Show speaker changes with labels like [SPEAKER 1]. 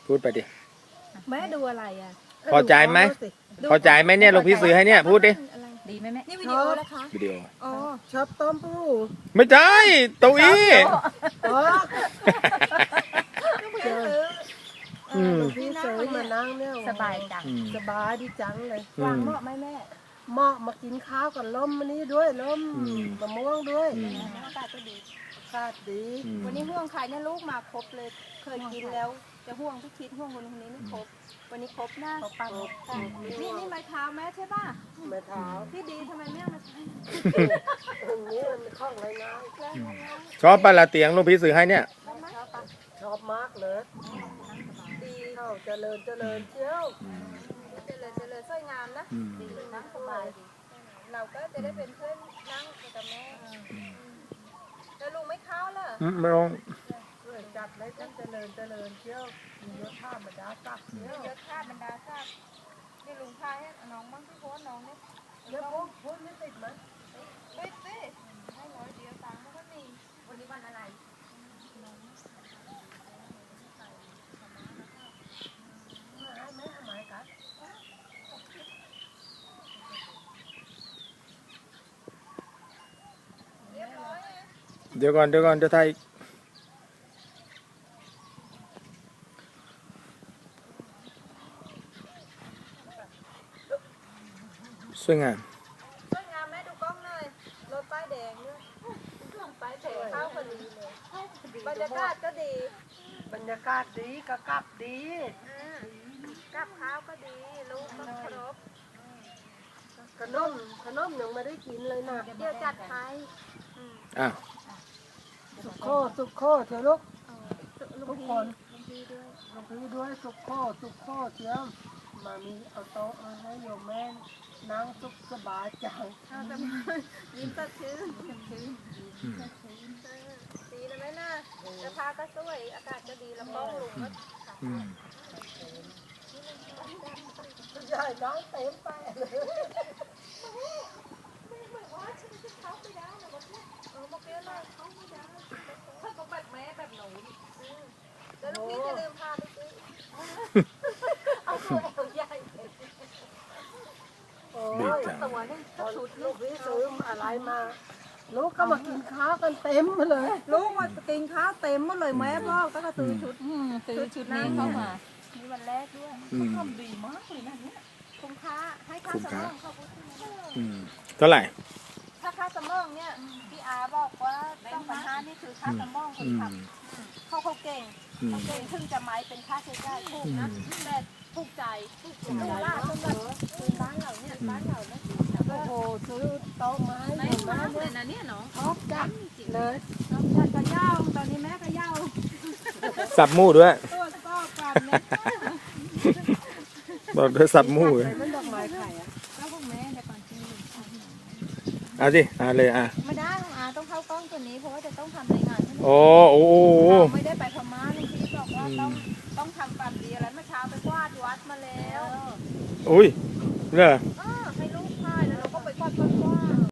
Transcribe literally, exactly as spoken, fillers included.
[SPEAKER 1] พูดไปดิ
[SPEAKER 2] แม่ดูอะไรอ่ะ
[SPEAKER 1] พอใจไหมพอใจไหมเนี่ยหลวงพี่ซื้อให้เนี่ยพูดดิ
[SPEAKER 2] ดีไหมแม่
[SPEAKER 3] นี่วิดีโอนะคะ
[SPEAKER 1] วิดีโอ
[SPEAKER 4] อ๋อชอบต้มปู
[SPEAKER 1] ไม่ใช่เตัวอี้
[SPEAKER 4] อ๋อ
[SPEAKER 1] อืม
[SPEAKER 4] พี่เสยมานั่งเนี่ย
[SPEAKER 2] สบายจัง
[SPEAKER 1] อืม
[SPEAKER 4] สบายดีจังเลย
[SPEAKER 1] อื
[SPEAKER 2] วาง
[SPEAKER 1] ม
[SPEAKER 2] เหมาะไหมแม่
[SPEAKER 4] เหมาะมากินข้าวกับล้มมันนี้ด้วยล้ม
[SPEAKER 1] อืม
[SPEAKER 4] มะม่วงด้วย
[SPEAKER 1] อืม
[SPEAKER 3] อากาศก็ดี
[SPEAKER 4] คาดดี
[SPEAKER 1] อืม
[SPEAKER 3] วันนี้ห่วงใครเนี่ยลูกมาครบเลย เคยกินแล้ว จะห่วงพี่คิดห่วงคนคนนี้ไม่ครบ วันนี้ครบนะ
[SPEAKER 2] เขาปัง
[SPEAKER 3] ค่ะนี่นี่ไม้เท้าแม่ใช่ป่ะ
[SPEAKER 4] แม่เท้า
[SPEAKER 3] พี่ดีทำไมแม่มาใช้
[SPEAKER 4] ตรงนี้มันคล่องเลยนะ
[SPEAKER 1] ชอบปะละเตียงหลวงพี่ซื้อให้เนี่ย
[SPEAKER 4] ชอบมากเลย
[SPEAKER 3] ดี
[SPEAKER 4] เข้าเจริญเจริญเจ้า
[SPEAKER 3] เจริญเจริญสวยงามนะ
[SPEAKER 1] อืม
[SPEAKER 3] ดีนั่งสบายดีเราก็จะได้เป็นเพื่อนนั่งกับแม่แล้วลุงไม่เข้าเหรอ
[SPEAKER 1] อืมไม่ลง
[SPEAKER 4] ช่วยจัดเลยท่านเจริญเจริญเจ้ามียศท่าบรรดาศักดิ์เจ้า
[SPEAKER 3] เยอะค่าบรรดาทราบนี่ลุงพายให้น้องบ้างพี่โพสน้องเนี่ย
[SPEAKER 4] เดี๋ยวพูดพูดไม่ติดไหม
[SPEAKER 3] ปิดสิให้ร้อยเดียวตังค์มันก็มีวันนี้วันอะไร
[SPEAKER 4] ไม่ไม่ทำไมครับ
[SPEAKER 3] เรียบร้อย
[SPEAKER 1] เดี๋ยวก่อนเดี๋ยวก่อนเดี๋ยวไทยสวยงาม
[SPEAKER 3] สวยงามแม่ดูกล้องหน่อยรถป้ายแดงด้วยป้ายแดงเข้าพอดีเลยบรรยากาศก็ดี
[SPEAKER 4] บรรยากาศดีกะกลับดี
[SPEAKER 3] อ่ากับข้าวก็ดีลูกก็ครบ
[SPEAKER 4] ขนมขนมยังไม่ได้กินเลยนะ
[SPEAKER 3] เดี๋ยวจัดให้
[SPEAKER 1] อ้าว
[SPEAKER 4] สุกโคสุกโคเถอะลูก
[SPEAKER 3] ลุ
[SPEAKER 4] ทุ
[SPEAKER 3] ง
[SPEAKER 4] ก
[SPEAKER 3] พี
[SPEAKER 4] คน
[SPEAKER 3] ลุงพีด้วย
[SPEAKER 4] ลงพี่ด้วยสุกโคสุกโคเทียมมามีเอาโต๊ะมาให้โยมแม่นั่งสุขสบายจัง
[SPEAKER 3] เอาแต่ยิ้มสดชื่นสดชื่น
[SPEAKER 1] อืม
[SPEAKER 3] ดีนะแม่น่ะเสื้อผ้าก็สวยอากาศก็ดีแล้วกล้องลุงก็
[SPEAKER 1] อืม
[SPEAKER 4] ใหญ่น้องเต็มไปเลย
[SPEAKER 3] เออเมื่อกี้เราเขาไม่ได้ถ้าเขาแบบแม่แบบหนูแล้วลูกพี่จะลืมพาไปซื้อเอาตัวเอวใหญ่
[SPEAKER 4] โอ้
[SPEAKER 1] ดี
[SPEAKER 4] ย
[SPEAKER 1] จัง
[SPEAKER 3] ตัวนึง
[SPEAKER 4] พอลูกพี่ซื้ออะไรมา ลูกก็มากินข้าวกันเต็มมาเลย
[SPEAKER 3] ลูกมากินข้าวเต็มหมดเลยแม่บอกก็ซื้อชุด
[SPEAKER 2] อืมซื้อชุดนี้เข้ามา
[SPEAKER 3] นี่วันแรกด้วย
[SPEAKER 1] อืม
[SPEAKER 2] ทำดีมากเลยนะเนี่ย
[SPEAKER 3] คุ้มค่าให้ค่า
[SPEAKER 1] คุ้ม
[SPEAKER 3] ส
[SPEAKER 1] ค่า
[SPEAKER 3] มองเขาพูดถึงนะ
[SPEAKER 1] อืมเท่าไหร่
[SPEAKER 3] ถ้าค่าสมองเนี่ยพี่อาบอกว่าต้องพันห้านี่คือค่าสมองคน
[SPEAKER 1] อืม
[SPEAKER 3] ขับเขาเขาเก่ง
[SPEAKER 1] อืม
[SPEAKER 3] เขาเก่งถึงจะไม้เป็นค่าใช้จ่ายถูกนะแต่ถูกใจถูกใจว่าสำหรับคือบ้านเราเนี่ยบ้านเราเนี่ย
[SPEAKER 4] โอ้โหซื้อโต๊ะไม้
[SPEAKER 3] ไม่
[SPEAKER 4] โยม
[SPEAKER 3] มา
[SPEAKER 4] แม่
[SPEAKER 3] กเลยนะเนี่ยเนาะ
[SPEAKER 4] ชอบจัดเลย
[SPEAKER 3] น้องชันก็ย่าตอนนี้แม่ก็ย่า
[SPEAKER 1] สับหมูด้วย
[SPEAKER 3] ตัวก็กันเนี่ย
[SPEAKER 1] บอกด้วยสับหมูเลย
[SPEAKER 4] มันดอกไม้ไข่อะ
[SPEAKER 3] ก็พวกแม่แต่ก่อนจริง
[SPEAKER 1] เอาสิเอาเลยอ่ะ
[SPEAKER 3] ไม่ได้ของอาต้องเข้ากล้องตัวนี้เพราะว่าจะต้องทำรายงานให้
[SPEAKER 1] โอ้โอ้โห
[SPEAKER 3] เราไม่ได้ไปพม่าลุงพีบอกว่าต้องต้องทำความดีอะไรเมื่อเช้าไปกวาดวัดมาแล้ว
[SPEAKER 1] อุ้ยเหรอ
[SPEAKER 3] เออ